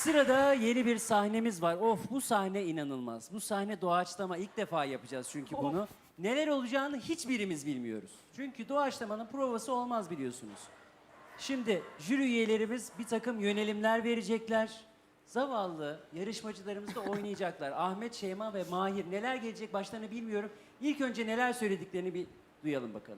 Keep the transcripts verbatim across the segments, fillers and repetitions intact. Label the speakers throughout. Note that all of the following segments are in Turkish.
Speaker 1: Sırada yeni bir sahnemiz var. Of, bu sahne inanılmaz. Bu sahne doğaçlama. İlk defa yapacağız çünkü bunu. Neler olacağını hiçbirimiz bilmiyoruz. Çünkü doğaçlamanın provası olmaz biliyorsunuz. Şimdi jüri üyelerimiz bir takım yönelimler verecekler. Zavallı yarışmacılarımız da oynayacaklar. Ahmet, Şeyma ve Mahir neler gelecek başlarına bilmiyorum. İlk önce neler söylediklerini bir duyalım bakalım.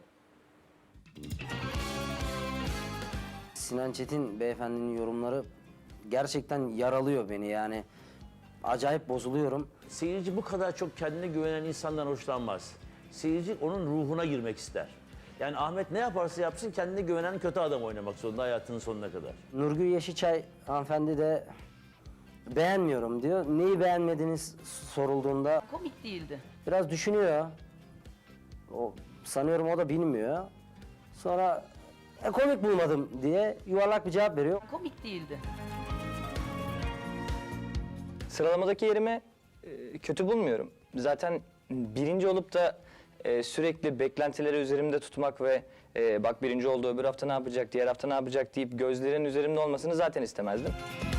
Speaker 2: Sinan Çetin beyefendinin yorumları gerçekten yaralıyor beni yani. Acayip bozuluyorum.
Speaker 3: Seyirci bu kadar çok kendine güvenen insandan hoşlanmaz. Seyirci onun ruhuna girmek ister. Yani Ahmet ne yaparsa yapsın kendine güvenen kötü adam oynamak zorunda hayatının sonuna kadar.
Speaker 2: Nurgül Yeşilçay hanımefendi de beğenmiyorum diyor. Neyi beğenmediğiniz sorulduğunda
Speaker 4: Komik değildi.
Speaker 2: biraz düşünüyor. O, sanıyorum o da bilmiyor. Sonra e, komik bulmadım diye yuvarlak bir cevap veriyor.
Speaker 4: Komik değildi.
Speaker 5: Sıralamadaki yerimi e, kötü bulmuyorum. Zaten birinci olup da e, sürekli beklentileri üzerimde tutmak ve e, bak birinci oldu öbür hafta ne yapacak, diğer hafta ne yapacak deyip gözlerin üzerimde olmasını zaten istemezdim.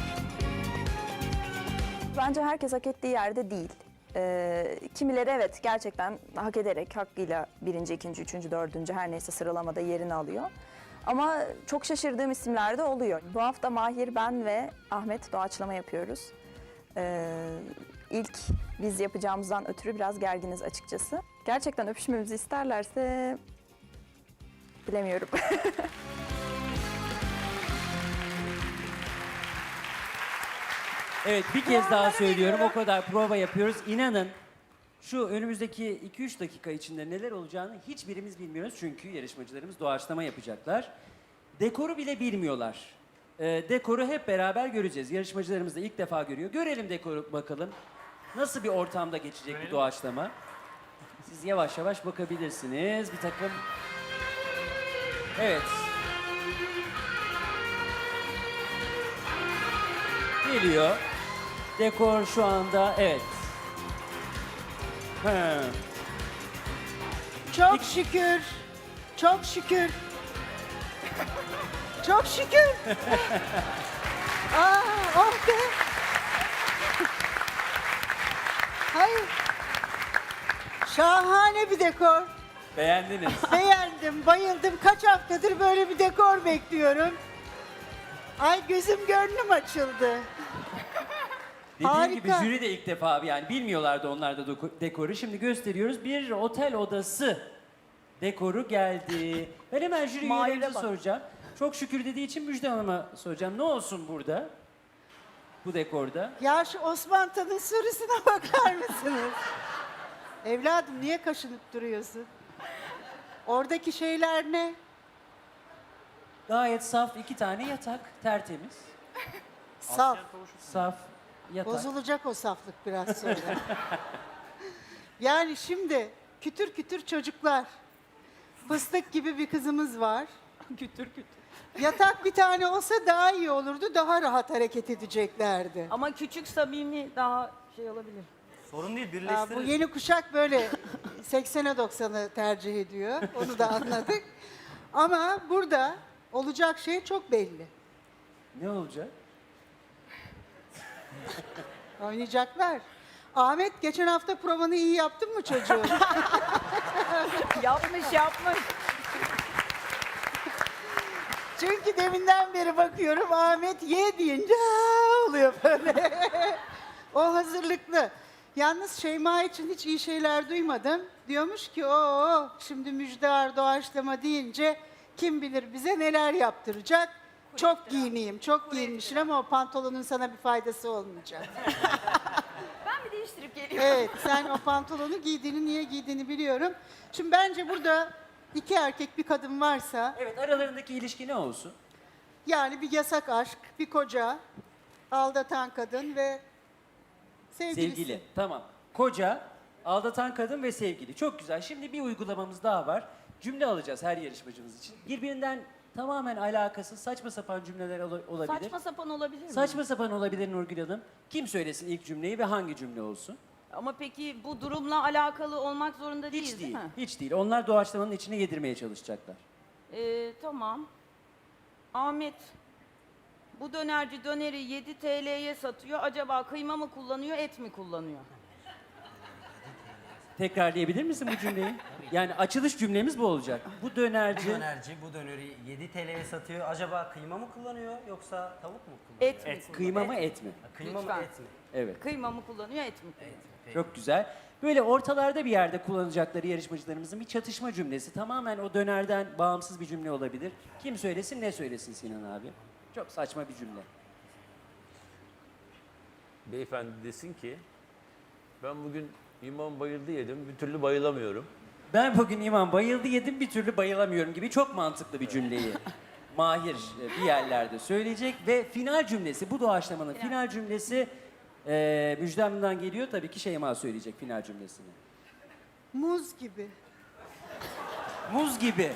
Speaker 6: Bence herkes hak ettiği yerde değil. Ee, kimileri evet gerçekten hak ederek hakkıyla birinci, ikinci, üçüncü, dördüncü her neyse sıralamada yerini alıyor. Ama çok şaşırdığım isimler de oluyor. Bu hafta Mahir, ben ve Ahmet doğaçlama yapıyoruz. Ee, ilk biz yapacağımızdan ötürü biraz gerginiz açıkçası. Gerçekten öpüşmemizi isterlerse bilemiyorum.
Speaker 1: Evet, bir kez daha söylüyorum. O kadar prova yapıyoruz. İnanın şu önümüzdeki iki üç dakika içinde neler olacağını hiçbirimiz bilmiyoruz. Çünkü yarışmacılarımız doğaçlama yapacaklar. Dekoru bile bilmiyorlar. Ee, dekoru hep beraber göreceğiz. Yarışmacılarımız da ilk defa görüyor. Görelim dekoru bakalım. Nasıl bir ortamda geçecek bu doğaçlama? Siz yavaş yavaş bakabilirsiniz. Bir takım... Evet. Geliyor. Dekor şu anda, evet. He.
Speaker 7: Çok şükür. Çok şükür. Çok şükür. Aa, oh be. Hayır. Şahane bir dekor.
Speaker 1: Beğendiniz.
Speaker 7: Beğendim, bayıldım. Kaç haftadır böyle bir dekor bekliyorum. Ay gözüm gönlüm açıldı.
Speaker 1: Dediğim
Speaker 7: Harika.
Speaker 1: gibi jüri de ilk defa yani bilmiyorlardı onlar da doko- dekoru. Şimdi gösteriyoruz. Bir otel odası dekoru geldi. Ben hemen jüri
Speaker 4: Mahir'e
Speaker 1: üyelerimize
Speaker 4: bak.
Speaker 1: soracağım. Çok şükür dediği için Müjde Hanım'a soracağım. Ne olsun burada? Bu dekorda.
Speaker 7: Ya şu Osman Tan'ın sorusuna bakar mısınız? Evladım niye kaşınıp duruyorsun? Oradaki şeyler ne?
Speaker 1: Gayet saf iki tane yatak. Tertemiz.
Speaker 7: Saf.
Speaker 1: Saf yatak.
Speaker 7: Bozulacak o saflık biraz sonra. Yani şimdi kütür kütür çocuklar. Fıstık gibi bir kızımız var.
Speaker 4: Kütür kütür.
Speaker 7: Yatak bir tane olsa daha iyi olurdu. Daha rahat hareket edeceklerdi.
Speaker 4: Ama küçük samimi daha şey olabilir.
Speaker 5: Sorun değil,
Speaker 7: Ha, bu yeni kuşak böyle seksene doksanı tercih ediyor. Onu da anladık. Ama burada olacak şey çok belli.
Speaker 1: Ne olacak?
Speaker 7: Oynayacaklar. Ahmet geçen hafta provanı iyi yaptın mı çocuğum?
Speaker 4: Yapmış yapmış.
Speaker 7: Çünkü deminden beri bakıyorum Ahmet ye deyince "Aa!" oluyor böyle. O hazırlıklı. Yalnız Şeyma için hiç iyi şeyler duymadım. Diyormuş ki o şimdi müjdar doğaçlama deyince kim bilir bize neler yaptıracak. Çok giyineyim, çok giyinmişsin ama o pantolonun sana bir faydası olmayacak.
Speaker 4: Ben bir değiştirip geliyorum.
Speaker 7: Evet, sen o pantolonu giydiğini, niye giydiğini biliyorum. Şimdi bence burada iki erkek bir kadın varsa,
Speaker 1: Evet, aralarındaki ilişki ne olsun?
Speaker 7: yani bir yasak aşk, bir koca, aldatan kadın ve sevgilisi.
Speaker 1: Sevgili. Tamam. Koca, aldatan kadın ve sevgili. Çok güzel. Şimdi bir uygulamamız daha var. Cümle alacağız her yarışmacımız için. Birbirinden tamamen alakasız saçma sapan cümleler ola- olabilir.
Speaker 4: Saçma sapan olabilir mi?
Speaker 1: Saçma sapan olabilir Nurgül Hanım. Kim söylesin ilk cümleyi ve hangi cümle olsun?
Speaker 4: Ama peki bu durumla alakalı olmak zorunda değil,
Speaker 1: Hiç
Speaker 4: değil,
Speaker 1: değil.
Speaker 4: mi?
Speaker 1: Hiç değil. Onlar doğaçlamanın içine yedirmeye çalışacaklar.
Speaker 4: Ee, tamam. Ahmet, Bu dönerci döneri yedi T L'ye satıyor. Acaba kıyma mı kullanıyor, et mi kullanıyor?
Speaker 1: Tekrarlayabilir misin bu cümleyi? Yani açılış cümlemiz bu olacak. Bu dönerci
Speaker 8: Dönerci bu döneri yedi T L'ye satıyor. Acaba kıyma mı kullanıyor yoksa tavuk mu kullanıyor?
Speaker 4: Et mi kullanıyor?
Speaker 1: kıyma mı et mi?
Speaker 8: Kıyma
Speaker 4: Lütfen.
Speaker 8: mı et mi?
Speaker 1: Evet.
Speaker 4: Kıyma mı kullanıyor, et mi kullanıyor?
Speaker 1: Çok güzel. Böyle ortalarda bir yerde kullanacakları yarışmacılarımızın bir çatışma cümlesi. Tamamen o dönerden bağımsız bir cümle olabilir. Kim söylesin, ne söylesin Sinan abi? Çok saçma bir cümle.
Speaker 3: Beyefendi desin ki ben bugün İmam bayıldı yedim bir türlü bayılamıyorum.
Speaker 1: Ben bugün İmam bayıldı yedim bir türlü bayılamıyorum gibi çok mantıklı bir cümleyi Mahir e, bir yerlerde söyleyecek. Ve final cümlesi, bu doğaçlamanın final cümlesi e, Müjde geliyor. Tabii ki Şeyma söyleyecek final cümlesini.
Speaker 7: Muz gibi.
Speaker 1: Muz gibi.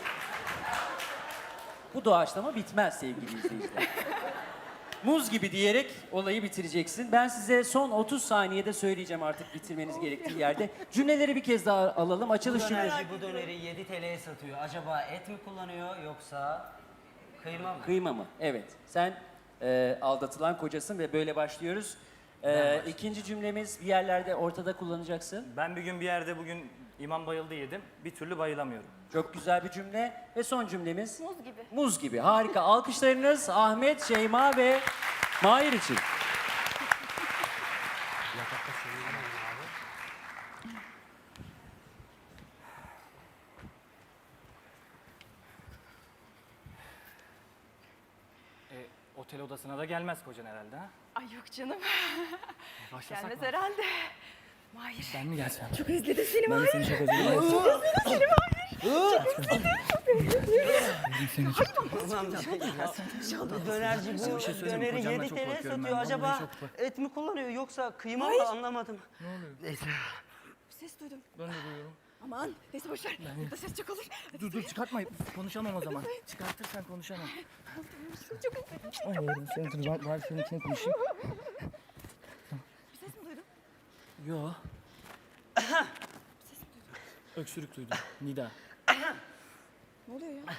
Speaker 1: Bu doğaçlama bitmez sevgili izleyiciler. Muz gibi diyerek olayı bitireceksin. Ben size son otuz saniyede söyleyeceğim artık bitirmeniz gerektiği yerde. Cümleleri bir kez daha alalım.
Speaker 8: Bu
Speaker 1: Açılış cümlesi.
Speaker 8: dönerci bu döneri yedi T L'ye satıyor. Acaba et mi kullanıyor yoksa kıyma mı?
Speaker 1: Kıyma mı? Evet. Sen e, aldatılan kocasın ve böyle başlıyoruz. E, ikinci cümlemiz bir yerlerde ortada kullanacaksın.
Speaker 9: Ben bir gün bir yerde bugün imam bayıldı yedim. Bir türlü bayılamıyorum.
Speaker 1: Çok güzel bir cümle. Ve son cümlemiz?
Speaker 4: Muz gibi.
Speaker 1: Muz gibi. Harika. Alkışlarınız Ahmet, Şeyma ve Mahir için.
Speaker 9: E, otel odasına da gelmez kocan herhalde ha?
Speaker 10: Ay yok canım.
Speaker 9: Başlasak
Speaker 10: Gelmez
Speaker 9: mı?
Speaker 10: herhalde. Mahir.
Speaker 9: Ben mi gelsem?
Speaker 10: Çok özledim seni
Speaker 9: Ben de
Speaker 10: Mahir.
Speaker 9: seni çok özledim.
Speaker 8: Bu dönerci bu
Speaker 9: şey söyleyeyim mi?
Speaker 8: döneri
Speaker 9: Kocamla
Speaker 8: yedi
Speaker 9: çok
Speaker 8: T L'ye
Speaker 9: korkuyorum ben.
Speaker 8: satıyor.
Speaker 9: Vallahi
Speaker 8: Acaba
Speaker 9: çok-
Speaker 8: et mi kullanıyor yoksa kıyma mı anlamadım. Ne oluyor? Neyse.
Speaker 10: Bir ses duydum.
Speaker 9: Ben de duyuyorum.
Speaker 10: Aman neyse boşver. Burada ses çok olur. Hadi
Speaker 9: Dur dur çıkartma. Konuşamam o zaman. Çıkartırsan konuşamam.
Speaker 10: çok özledim.
Speaker 9: Allah'ım seni dur. Ben, ben seninkini konuşayım.
Speaker 10: Bir ses mi duydun?
Speaker 9: Yo. Öksürük duydum. Nida.
Speaker 10: Ne oluyor ya?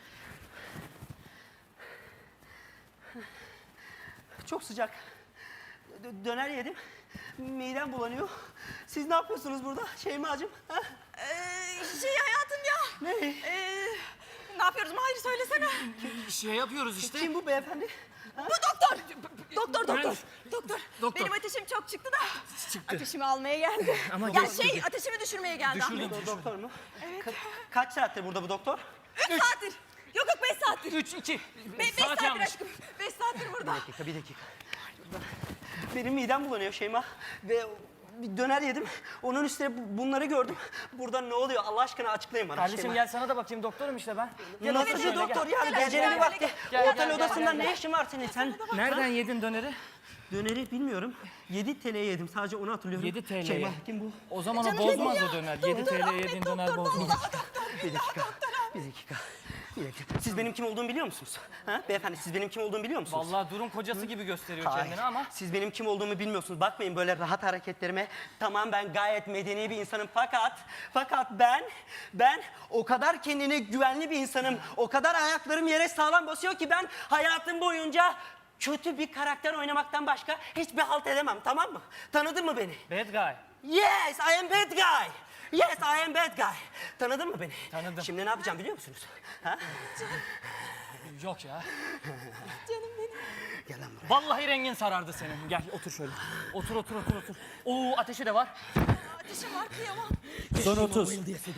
Speaker 8: Çok sıcak. Dö- Döner yedim. Midem bulanıyor. Siz ne yapıyorsunuz burada Şeyma'cığım? Ha?
Speaker 10: Ee, şey hayatım ya.
Speaker 8: Ne?
Speaker 10: Ee, ne yapıyoruz Mahir söylesene.
Speaker 9: Şey yapıyoruz işte.
Speaker 8: Kim bu beyefendi?
Speaker 10: Bu doktor. Doktor doktor.
Speaker 9: Evet.
Speaker 10: Doktor.
Speaker 9: Doktor.
Speaker 10: Benim ateşim çok çıktı da. Ateşimi almaya geldi.
Speaker 9: Ama
Speaker 10: ya
Speaker 9: geçti.
Speaker 10: şey ateşimi düşürmeye geldi.
Speaker 9: Düşürdüm.
Speaker 8: Do- doktor mu? Ka- kaç saattir burada bu doktor?
Speaker 10: Üç saattir. Yok yok beş saattir.
Speaker 9: Üç, iki.
Speaker 10: Be- beş
Speaker 9: Saat
Speaker 10: saattir
Speaker 9: yanlış.
Speaker 10: aşkım. Beş saattir burada.
Speaker 8: Bir dakika, bir dakika. Benim midem bulanıyor Şeyma. Ve bir döner yedim. Onun üstüne bu- bunları gördüm. Burada ne oluyor Allah aşkına açıklayın bana
Speaker 9: Kardeşim
Speaker 8: Şeyma.
Speaker 9: gel sana da bakayım doktorum işte ben. Gel
Speaker 8: Nasıl
Speaker 9: otur
Speaker 8: bir
Speaker 9: şöyle,
Speaker 8: doktor
Speaker 9: gel.
Speaker 8: yani?
Speaker 10: Gel,
Speaker 8: Gecenin
Speaker 10: gel,
Speaker 8: vakti.
Speaker 9: gel,
Speaker 8: Otel
Speaker 9: gel, gel,
Speaker 8: odasında
Speaker 9: gel,
Speaker 8: ne
Speaker 9: gel.
Speaker 8: işin var senin? Sen
Speaker 9: Nereden yedin döneri?
Speaker 8: döneri bilmiyorum. yedi T L'ye yedim. Sadece onu hatırlıyorum.
Speaker 9: yedi T L'ye.
Speaker 8: Şeyma kim bu?
Speaker 9: O zaman o bozmaz o döner. yedi T L yediğin döner bozmaz.
Speaker 8: Bir dakika. Bir dakika. Bir dakika. Siz benim kim olduğumu biliyor musunuz? Ha? Beyefendi siz benim kim olduğumu biliyor musunuz?
Speaker 9: Vallahi durum kocası gibi gösteriyor
Speaker 8: Hayır.
Speaker 9: kendini ama.
Speaker 8: Siz benim kim olduğumu bilmiyorsunuz. Bakmayın böyle rahat hareketlerime. Tamam ben gayet medeni bir insanım fakat fakat ben ben o kadar kendine güvenli bir insanım. O kadar ayaklarım yere sağlam basıyor ki ben hayatım boyunca kötü bir karakter oynamaktan başka hiçbir halt edemem, tamam mı? Tanıdın mı beni?
Speaker 9: Bad guy.
Speaker 8: Yes, I am bad guy. Yes, I am bad guy. Tanıdın mı beni?
Speaker 9: Tanıdım.
Speaker 8: Şimdi ne yapacağım biliyor musunuz? Ha?
Speaker 9: Yok ya.
Speaker 8: Gel lan buraya.
Speaker 9: Vallahi rengin sarardı senin. Gel otur şöyle. Otur otur otur otur. Oo ateşi de var.
Speaker 10: Ateşim var kıyamam.
Speaker 1: Son otuz.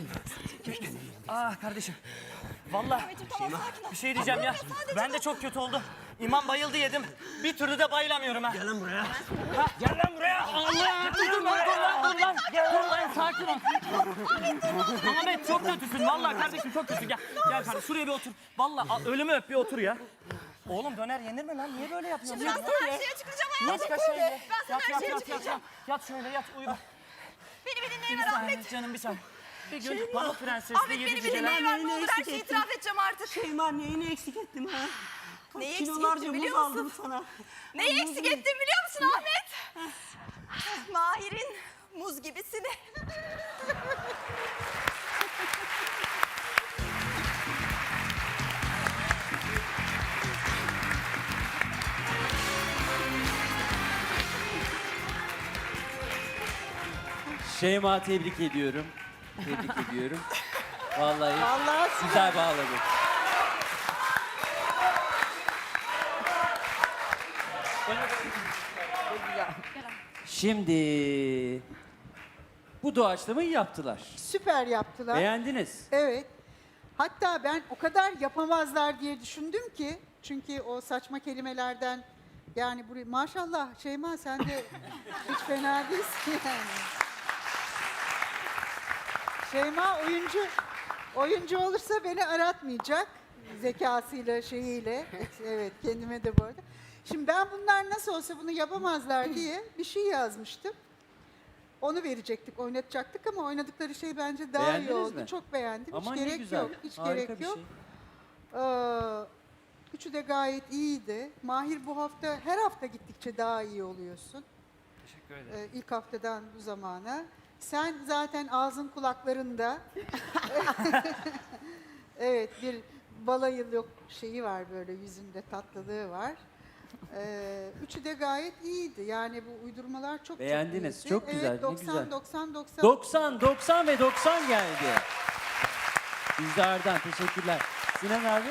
Speaker 9: Ah kardeşim. Vallahi
Speaker 10: Ahmetciğim tamam sakin ol.
Speaker 9: bir şey diyeceğim ya. Ben de çok kötü oldu. İmam bayıldı yedim. Bir türlü de bayılamıyorum ha.
Speaker 8: Gel lan buraya.
Speaker 9: Ha, gel lan buraya. Allah! Dur lan, dur lan, dur lan. Dur lan, sakin ol. Ahmet çok kötüsün. Vallahi kardeşim çok kötü. Gel, gel kardeşim şuraya bir otur. Vallahi a- ölümü öp bir otur ya. Oğlum döner yenir mi lan? Niye böyle yapıyorsun?
Speaker 10: Ben sana her şeye çıkacağım hayatım.
Speaker 9: Yat şöyle.
Speaker 10: Ben sana
Speaker 9: Yat,
Speaker 10: her
Speaker 9: yat,
Speaker 10: şeye
Speaker 9: yat, yat,
Speaker 10: çıkacağım.
Speaker 9: yat. Yat şöyle, yat, uyu.
Speaker 10: Beni bir
Speaker 9: Bir
Speaker 10: dinleyin ver
Speaker 9: saniye
Speaker 10: Ahmet.
Speaker 9: canım, bir saniye. Bir gün Pamuk Prenses'le
Speaker 10: Ahmet
Speaker 9: yedi
Speaker 10: beni bir
Speaker 9: geceler.
Speaker 10: dinleyin ver. Ne olur her
Speaker 8: eksik
Speaker 10: şeyi
Speaker 8: ettim.
Speaker 10: itiraf edeceğim artık.
Speaker 8: Şeyma neyini eksik ettim ha?
Speaker 10: Neyi eksik
Speaker 8: Kilolarca
Speaker 10: ettim
Speaker 8: muz
Speaker 10: biliyor musun?
Speaker 8: aldım sana.
Speaker 10: Neyi eksik ettim biliyor musun Ahmet? Mahir'in muz gibisini.
Speaker 1: Şeyma tebrik ediyorum. Tebrik ediyorum. Vallahi,
Speaker 7: Vallahi
Speaker 1: güzel bağladı. Şimdi bu doğaçlamayı yaptılar.
Speaker 7: süper yaptılar.
Speaker 1: Beğendiniz.
Speaker 7: Evet. Hatta ben o kadar yapamazlar diye düşündüm ki, çünkü o saçma kelimelerden, yani buraya maşallah Şeyma sen de hiç fena değilsin yani. Şeyma oyuncu oyuncu olursa beni aratmayacak zekasıyla şeyiyle. Evet, kendime de bu arada. Şimdi ben bunlar nasıl olsa bunu yapamazlar diye bir şey yazmıştım. Onu verecektik, oynatacaktık ama oynadıkları şey bence daha
Speaker 1: Beğendiniz
Speaker 7: iyi oldu.
Speaker 1: mi?
Speaker 7: Çok beğendim.
Speaker 1: Ama
Speaker 7: hiç
Speaker 1: ne
Speaker 7: gerek
Speaker 1: güzel.
Speaker 7: yok. Hiç
Speaker 1: Harika
Speaker 7: gerek
Speaker 1: bir
Speaker 7: yok.
Speaker 1: şey.
Speaker 7: Ee, üçü de gayet iyiydi. Mahir bu hafta, her hafta gittikçe daha iyi oluyorsun.
Speaker 9: Teşekkür ederim.
Speaker 7: Ee, ilk haftadan bu zamana. Sen zaten ağzın kulaklarında. Evet, bir balayı yok şeyi var, böyle yüzünde tatlılığı var. Ee, üçü de gayet iyiydi. Yani bu uydurmalar çok
Speaker 1: Beğendiniz,
Speaker 7: çok iyiydi.
Speaker 1: çok güzel,
Speaker 7: Evet,
Speaker 1: ne
Speaker 7: doksan,
Speaker 1: güzel.
Speaker 7: doksan, doksan.
Speaker 1: doksan, doksan ve doksan geldi. İzdar'dan teşekkürler. Sinan abi?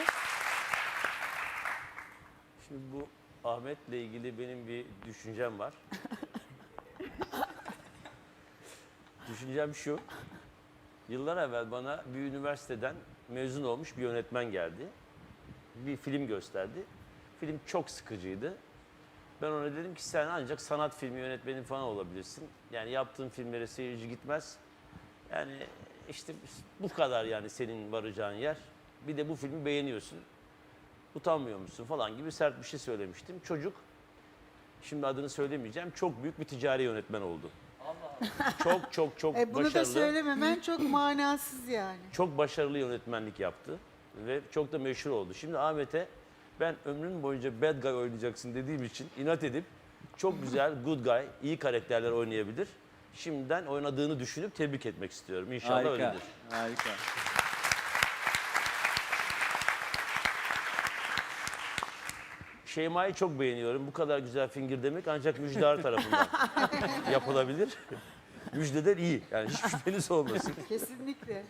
Speaker 3: Şimdi bu Ahmet'le ilgili benim bir düşüncem var. Düşüncem şu. Yıllar evvel bana bir üniversiteden mezun olmuş bir yönetmen geldi. Bir film gösterdi. Film çok sıkıcıydı. Ben ona dedim ki sen ancak sanat filmi yönetmeni falan olabilirsin. Yani yaptığın filmlere seyirci gitmez. Yani işte bu kadar yani senin varacağın yer. Bir de bu filmi beğeniyorsun. Utanmıyor musun falan gibi sert bir şey söylemiştim. Çocuk, şimdi adını söylemeyeceğim, çok büyük bir ticari yönetmen oldu. Çok çok çok
Speaker 7: E, bunu
Speaker 3: başarılı.
Speaker 7: da söylememen çok manasız yani.
Speaker 3: Çok başarılı yönetmenlik yaptı ve çok da meşhur oldu. Şimdi Ahmet'e ben ömrün boyunca bad guy oynayacaksın dediğim için inat edip çok güzel good guy, iyi karakterler oynayabilir. Şimdiden oynadığını düşünüp tebrik etmek istiyorum. İnşallah
Speaker 1: Harika.
Speaker 3: öyledir.
Speaker 1: Harika.
Speaker 3: Şeyma'yı çok beğeniyorum. Bu kadar güzel fingir demek ancak Müjdar tarafından yapılabilir. Müjdeler iyi. Yani hiç şüpheniz olmasın.
Speaker 7: Kesinlikle.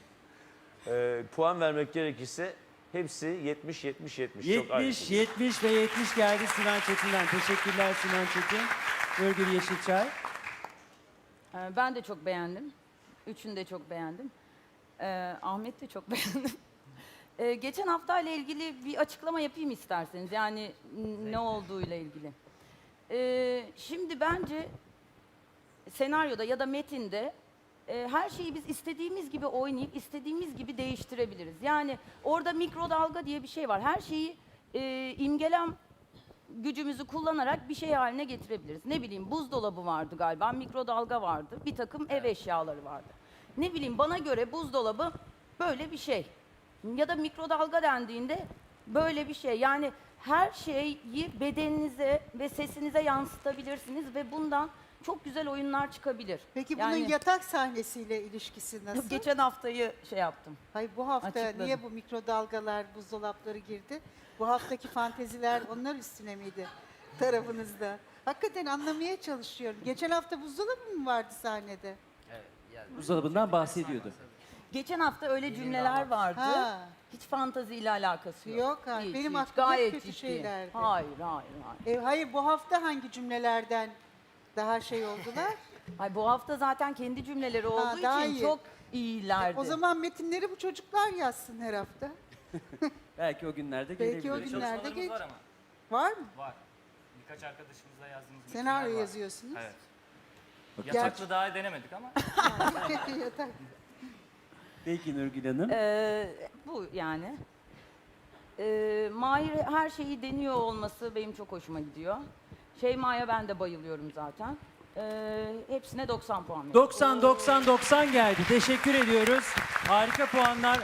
Speaker 3: Ee, puan vermek gerekirse hepsi yetmiş yetmiş yetmiş. Çok aynı.
Speaker 1: yetmiş, yetmiş ve yetmiş geldi Sinan Çetin'den. Teşekkürler Sinan Çetin. Nurgül Yeşilçay.
Speaker 4: Ee, Ben de çok beğendim. Üçünü de çok beğendim. Ee, Ahmet de çok beğendim. Ee, geçen hafta ile ilgili bir açıklama yapayım isterseniz. Yani n- ne olduğuyla ilgili. Ee, şimdi bence senaryoda ya da metinde e, her şeyi biz istediğimiz gibi oynayıp istediğimiz gibi değiştirebiliriz. Yani orada mikrodalga diye bir şey var. Her şeyi e, imgelem gücümüzü kullanarak bir şey haline getirebiliriz. Ne bileyim buzdolabı vardı galiba, mikrodalga vardı, bir takım ev eşyaları vardı. Ne bileyim bana göre buzdolabı böyle bir şey. Ya da mikrodalga dendiğinde böyle bir şey. Yani her şeyi bedeninize ve sesinize yansıtabilirsiniz ve bundan çok güzel oyunlar çıkabilir.
Speaker 7: Peki bunun
Speaker 4: Yani
Speaker 7: yatak sahnesiyle ilişkisi nasıl?
Speaker 4: geçen haftayı şey yaptım.
Speaker 7: Hayır, bu hafta
Speaker 4: Açıkladım.
Speaker 7: niye bu mikrodalgalar, buzdolapları girdi? Bu haftaki fanteziler onlar üstüne miydi tarafınızda? Hakikaten anlamaya çalışıyorum. Geçen hafta buzdolabı mı vardı sahnede?
Speaker 1: Buzdolabından bahsediyordu.
Speaker 4: Geçen hafta öyle cümleler vardı.
Speaker 7: Ha.
Speaker 4: Hiç fantaziyle alakası yok.
Speaker 7: Yok, hayır.
Speaker 4: Hiç,
Speaker 7: Benim
Speaker 4: hiç.
Speaker 7: aklımda hep
Speaker 4: Gayet
Speaker 7: kötü
Speaker 4: ciddi.
Speaker 7: şeylerdi.
Speaker 4: Hayır, hayır, hayır.
Speaker 7: E, hayır, bu hafta hangi cümlelerden daha şey oldular?
Speaker 4: Ay bu hafta zaten kendi cümleleri olduğu
Speaker 7: daha
Speaker 4: için
Speaker 7: iyi.
Speaker 4: çok iyilerdi.
Speaker 7: O zaman metinleri bu çocuklar yazsın her hafta.
Speaker 1: Belki o günlerde
Speaker 7: Belki o
Speaker 1: gelebilir.
Speaker 7: günlerde
Speaker 9: Çalışmalarımız
Speaker 7: geç.
Speaker 9: var ama.
Speaker 7: Var mı?
Speaker 9: Var. Birkaç arkadaşımızla yazdığımız metinler
Speaker 7: Senaryo
Speaker 9: var.
Speaker 7: yazıyorsunuz.
Speaker 9: Evet.
Speaker 1: Bakın.
Speaker 9: Yataklı daha denemedik ama.
Speaker 7: Yatak.
Speaker 1: Peki Nurgül Hanım.
Speaker 4: Ee, bu yani. Ee, Mahir her şeyi deniyor olması benim çok hoşuma gidiyor. Şeyma'ya ben de bayılıyorum zaten. Ee, hepsine doksan puan veriyorum.
Speaker 1: doksan, doksan, doksan geldi. Teşekkür ediyoruz. Harika puanlar.